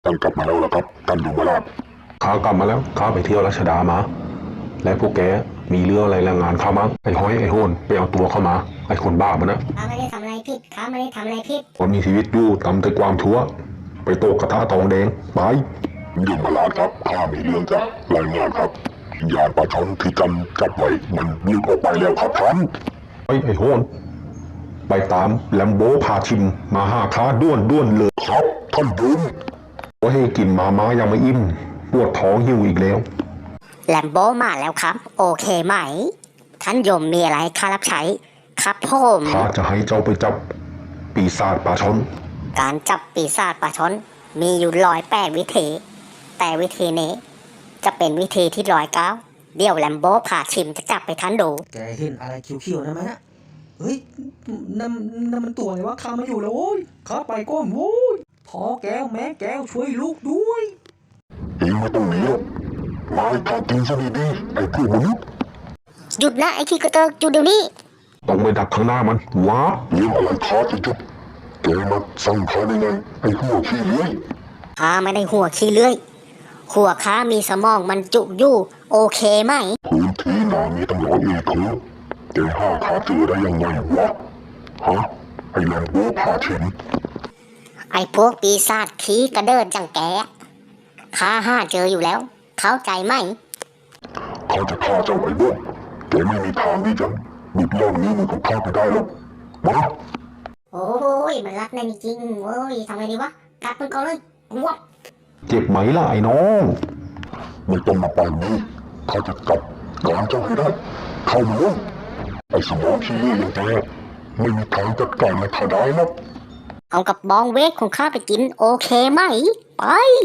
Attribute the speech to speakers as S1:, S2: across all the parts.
S1: ท่านกลับมาแล้วล่ะครับท่านยมราช
S2: ข้ากลับมาแล้วข้าไปเที่ยวรัชดามาและพวกแกมีเรื่องอะไรรายงานข้ามั้งไอ้ห้อยไอ้โหนไปเอาตัวเข้ามาไอ้คนบ้ามันนะ
S3: ข้าไม่ได้ทำอะไรผิดข้าไม่ได้ทำอะไรผิด
S2: ว่ามีชีวิตอยู่ทำแต่ความชั่วไปโตกกระทะทองแดงไป
S1: ยมราชครับข้ามีเรื่องจะรายงานครับยานปลาช่อนที่จันจับไว้มันหลุดออกไปแล้วครับท่าน
S2: ไอ้โหนไปตามแลมโบพาชิมมาหาข้าด้วนเลย
S1: ครับท่านยม
S2: ว่าให้กินมายังไม่อิ่มปวดท้องหิวอีกแล้ว
S3: แลมโบมาแล้วครับโอเคไหมท่านยมมีอะไรข้ารับใช้ครับผม
S2: ข้าจะให้เจ้าไปจับปีศาจปลาช่อน
S3: การจับปีศาจปลาช่อนมีอยู่108 วิธีแต่วิธีนี้จะเป็นวิธีที่109เดี๋ยวแลมโบพาชิมจะจับไปท่านดู
S4: แกเห็นอะไรเขียวๆนะไหมนะเฮ้ยนั่นมันตัวอะไรวะข้ามาอยู่แล้วโว้ยข้าไปก้นโว้ยพ่อแก้วแม่แก้วช่วยลูกด้วย
S1: เองไม่ต้องหนีหรอกมาให้ข้ากินซะดีๆไอ้พวกมนุษย์
S3: หยุดนะไอ้ขี้กระเตกหยุดเดี๋ยวนี้
S2: ต้องไปดักข้างหน้ามันว้า
S1: เรื่องอะไรข้าจะจบแกมาสั่งข้าได้ไงไอ้หัวขี้เลื้อย
S3: ข้าไม่ได้หัวขี้เลื้อยหัวข้ามีสมองมันจุอยู่โอเคไหม
S1: พื้นที่นามีตั้ง100 เอเคอร์แกหาข้าเจอได้ยังไงวะฮะไอ้แลมโบ้พาชิม
S3: ไอ้พวกปีศาจขี้กระเดินจังแกข้าหาเจออยู่แล้วเข้าใจไหม
S1: ข้าจะฆ่าเจ้าไอ้บ้าแกไม่มีทางที่จะหลุดล่องนี้มือของข้าไปได้หรอกมา
S3: โอ้ยมันรักแน่จริงโอ้ยทำไงดีวะกัดมันก่อนเลยวับ
S2: เจ็บไหมล่ะไอ้น้อง
S1: ไม่ต้องมาปานนี้ข้าจะกลับการเจ้าให้ได้เข้ามาเลยไอ้สมองขี้เลื่อยอย่างแกไม่มีทางจัดการในข้าได้นะ
S3: เอากับบองเวทของข้าไปกินโอเคไหมไป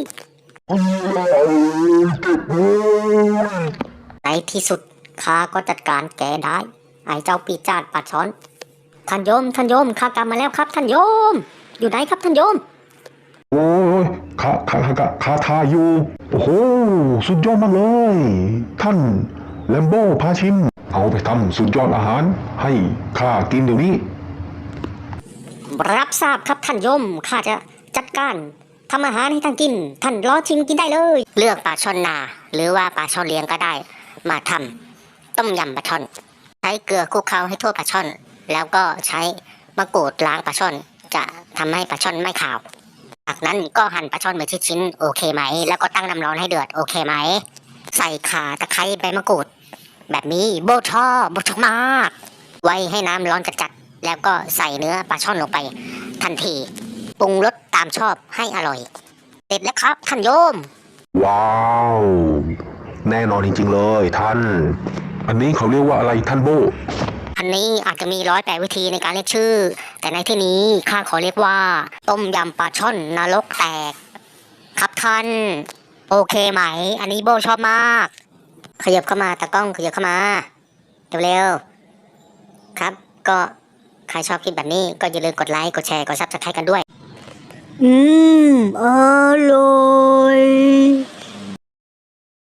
S1: เจ็บเลย
S3: ในที่สุดข้าก็จัดการแกได้ไอ้เจ้าปีศาจปลาช่อนท่านโยมข้ากลับมาแล้วครับท่านโยมอยู่ไหนครับท่านโยม
S2: โอ้ยข้าทาอยู่โอ้โหสุดยอดมากเลยท่านแลมโบพาชิมเอาไปทำสุดยอดอาหารให้ข้ากินเดี๋ยวนี้
S3: รับทราบครับท่านโยมข้าจะจัดการทำอาหารให้ท่านกินท่านรอชิมกินได้เลยเลือกปลาช่อนนาหรือว่าปลาช่อนเลี้ยงก็ได้มาทำต้มยำปลาช่อนใช้เกลือคลุกเคล้าให้ทั่วปลาช่อนแล้วก็ใช้มะกรูดล้างปลาช่อนจะทำให้ปลาช่อนไม่ขาวจากนั้นก็หั่นปลาช่อนเป็นชิ้นๆโอเคไหมแล้วก็ตั้งน้ำร้อนให้เดือดโอเคไหมใส่ข่าตะไคร้ใบมะกรูดแบบนี้โบชอบมากไว้ให้น้ำร้อนจัดๆแล้วก็ใส่เนื้อปลาช่อนลงไปทันทีปรุงรสตามชอบให้อร่อยเสร็จแล้วครับท่านโยม
S2: ว้าวแน่นอนจริงๆเลยท่านอันนี้เขาเรียกว่าอะไรท่านโบ
S3: อันนี้อาจจะมี108 วิธีในการเรียกชื่อแต่ในที่นี้ข้าขอเรียกว่าต้มยำปลาช่อนนรกแตกครับท่านโอเคไหมอันนี้โบชอบมากขยับเข้ามาตากล้องขยับเข้ามาเร็วๆครับก็ใครชอบคลิปแบบนี้ก็อย่าลืมกดไลค์กดแชร์กดซับสไครต์กันด้วยอร่อย